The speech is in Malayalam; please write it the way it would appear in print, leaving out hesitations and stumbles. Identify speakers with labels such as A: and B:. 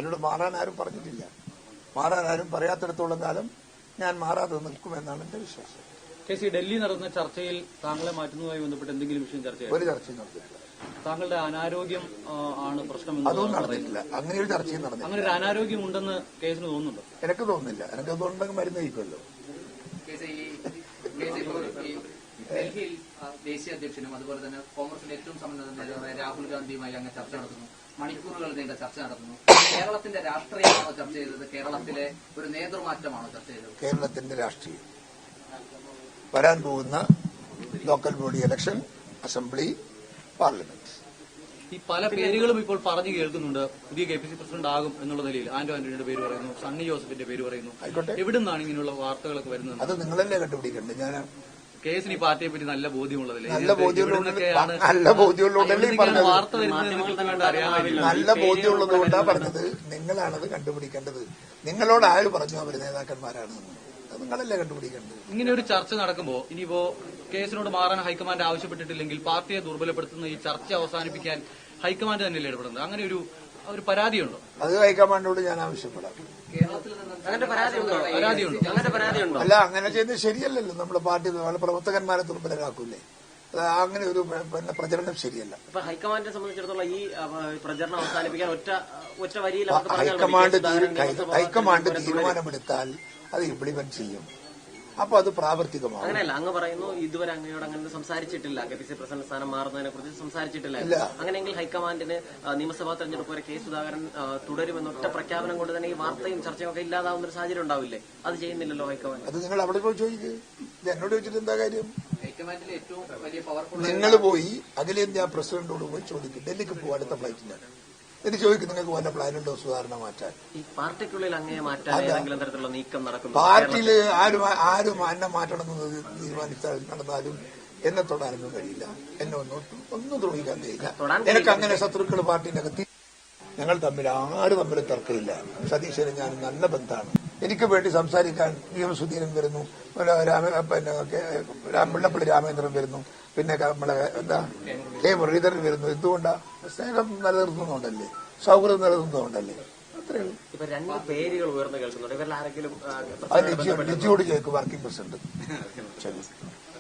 A: എന്നോട് മാറാൻ ആരും പറഞ്ഞിട്ടില്ല. മാറാൻ ആരും പറയാത്തിടത്തോളം കാലം ഞാൻ മാറാതെ നിൽക്കുമെന്നാണ് എന്റെ വിശ്വാസം.
B: ഡൽഹി നടന്ന ചർച്ചയിൽ താങ്കളെ മാറ്റുന്നതുമായി ബന്ധപ്പെട്ട് എന്തെങ്കിലും വിഷയം ചർച്ച
A: ഒരു ചർച്ചയും നടത്തിയിട്ടില്ല.
B: താങ്കളുടെ അനാരോഗ്യം ആണ് പ്രശ്നം?
A: അതൊന്നും നടന്നിട്ടില്ല. അങ്ങനെ ഒരു ചർച്ചയും നടന്നില്ല.
B: അങ്ങനെ ഒരു അനാരോഗ്യം ഉണ്ടെന്ന് കേസിന് തോന്നുന്നുണ്ടോ?
A: എനിക്ക് തോന്നുന്നില്ല. എനിക്ക് അതുണ്ടെങ്കിൽ മരുന്ന് കഴിക്കുമല്ലോ.
C: ഡൽഹിയിൽ ദേശീയ അധ്യക്ഷനും അതുപോലെ തന്നെ കോൺഗ്രസിന്റെ ഏറ്റവും സമ്പന്ന നേതാവായ രാഹുൽ ഗാന്ധിയുമായി അങ്ങ് ചർച്ച നടത്തുന്നു. മണിക്കൂറുകൾ നീണ്ട ചർച്ച നടത്തുന്നു. കേരളത്തിന്റെ രാഷ്ട്രീയമാണോ ചർച്ച ചെയ്തത്? കേരളത്തിലെ ഒരു നേതൃമാറ്റമാണോ ചർച്ച ചെയ്തത്?
A: കേരളത്തിന്റെ രാഷ്ട്രീയം, വരാൻ പോകുന്ന local body election, assembly, parliament.
B: ഈ പല പേരുകളും ഇപ്പോൾ പറഞ്ഞു കേൾക്കുന്നുണ്ട്. പുതിയ KPCC പ്രസിഡന്റ് ആകും എന്നുള്ള നിലയിൽ ആന്റോ ആന്റണിയുടെ പേര് പറയുന്നു, സണ്ണി ജോസഫിന്റെ പേര് പറയുന്നു.
A: ആയിക്കോട്ടെ,
B: എവിടുന്നാണ് ഇങ്ങനെയുള്ള വാർത്തകളൊക്കെ വരുന്നത്?
A: അത് നിങ്ങളല്ലേ കണ്ടുപിടിക്കണ്ടേ? ഞാൻ
B: കേസിന് ഈ പാർട്ടിയെ പറ്റി നല്ല ബോധ്യമുള്ളതല്ലേ?
A: നല്ല ബോധ്യമുള്ളതുകൊണ്ടല്ലേ പറഞ്ഞത്.
B: വാർത്ത വരുന്നത് അറിയാൻ
A: നല്ല ബോധ്യമുള്ളതുകൊണ്ടാണ് പറഞ്ഞത്. നിങ്ങളാണത് കണ്ടുപിടിക്കേണ്ടത്. നിങ്ങളോട് ആര് പറഞ്ഞു അവർ നേതാക്കന്മാരാണെന്ന്? അത് നിങ്ങളല്ലേ കണ്ടുപിടിക്കേണ്ടത്.
B: ഇങ്ങനെ ഒരു ചർച്ച നടക്കുമ്പോൾ ഇനിയിപ്പോ കേസിനോട് മാറാൻ ഹൈക്കമാൻഡ് ആവശ്യപ്പെട്ടിട്ടില്ലെങ്കിൽ പാർട്ടിയെ ദുർബലപ്പെടുത്തുന്ന ഈ ചർച്ച അവസാനിപ്പിക്കാൻ ഹൈക്കമാൻഡ് തന്നെയല്ലേ ഇടപെടുന്നത്? അങ്ങനെ ഒരു പരാതിയുണ്ടോ? അത്
A: ഹൈക്കമാൻഡിനോട് ഞാൻ ആവശ്യപ്പെടാം.
B: പരാതിയുണ്ടോ?
A: അല്ല, അങ്ങനെ ചെയ്യുന്നത് ശരിയല്ലല്ലോ. നമ്മുടെ പാർട്ടി പ്രവർത്തകന്മാരെ ദുർബലരാക്കൂലേ? അങ്ങനെ ഒരു പ്രചരണം ശരിയല്ല.
D: ഹൈക്കമാൻഡിനെ സംബന്ധിച്ചിടത്തോളം ഈ പ്രചരണം അവസാനിപ്പിക്കാൻ ഒറ്റ വരിയിൽ
A: ഹൈക്കമാൻഡ് തീരുമാനമെടുത്താൽ അത് ഇംപ്ലിമെന്റ് ചെയ്യും. അപ്പൊ അത് പ്രാവർത്തികമാകും.
D: അങ്ങനെയല്ല, അങ്ങ് പറയുന്നു ഇതുവരെ അങ്ങയോട് അങ്ങനെ സംസാരിച്ചിട്ടില്ല, KPCC പ്രസിഡന്റ് സ്ഥാനം മാറുന്നതിനെ കുറിച്ച് സംസാരിച്ചിട്ടില്ല. അങ്ങനെയെങ്കിൽ ഹൈക്കമാൻഡിന് നിയമസഭാ തെരഞ്ഞെടുപ്പ് വരെ സുധാകരൻ തുടരുമെന്ന ഒറ്റ പ്രഖ്യാപനം കൊണ്ട് തന്നെ ഈ വാർത്തയും ചർച്ചയും ഒക്കെ ഇല്ലാതാവുന്ന ഒരു സാഹചര്യം ഉണ്ടാവില്ലേ? അത് ചെയ്യുന്നില്ലല്ലോ ഹൈക്കമാൻഡ്.
A: അത് നിങ്ങൾ അവിടെ പോയി ചോദിക്കുക. എന്നോട് ചോദിച്ചിട്ട് എന്താ കാര്യം?
C: ഹൈക്കമാൻഡിലെ ഏറ്റവും വലിയ പവർഫുൾ
A: നിങ്ങൾ പോയി അഖിലേന്ത്യാ പ്രസിഡന്റോട് പോയി ചോദിക്കും. ഡൽഹിക്ക് പോകും അടുത്ത ഫ്ലൈറ്റിലാണ്. ഇത് ചോദിക്കും, നിങ്ങൾക്ക് വല്ല പ്ലാനുണ്ടോ സുധാരണ മാറ്റാൻ?
D: ഈ പാർട്ടിക്കുള്ളിൽ അങ്ങനെ മാറ്റാൻ ഏതെങ്കിലും തരത്തിലുള്ള നീക്കം നടക്കുന്നു?
A: പാർട്ടിയില് ആരും എന്നെ മാറ്റണമെന്ന് തീരുമാനിച്ചാൽ നടന്നാലും എന്നെ തൊടാനൊന്നും കഴിയില്ല. എന്നെ ഒന്നും ദ്രോഹിക്കാൻ കഴിയില്ല. എനിക്ക് അങ്ങനെ ശത്രുക്കൾ പാർട്ടിന്റെ അകത്ത്. ഞങ്ങൾ ആരും തമ്മിൽ തർക്കമില്ല. സതീശന് ഞാൻ നല്ല ബന്ധമാണ്. എനിക്ക് വേണ്ടി സംസാരിക്കാൻ സുധീരൻ വരുന്നു, മുല്ലപ്പള്ളി രാമേന്ദ്രൻ വരുന്നു, പിന്നെ നമ്മളെ മുരളീധരൻ വരുന്നു. എന്തുകൊണ്ടാ? സ്നേഹം നിലനിർത്തുന്നുണ്ടല്ലേ, സൗഹൃദം നിലനിർത്തുന്നുണ്ടല്ലേ. അത്രയേ ഉള്ളൂ.
D: ഇപ്പൊ രണ്ട് പേരുകൾ ഉയർന്നു കേൾക്കുന്നുണ്ട്. ഇവരിൽ ആരെങ്കിലും
A: ലിജിയോട് ചോദിക്കും, വർക്കിംഗ് പ്രസിഡന്റ്. ശരി.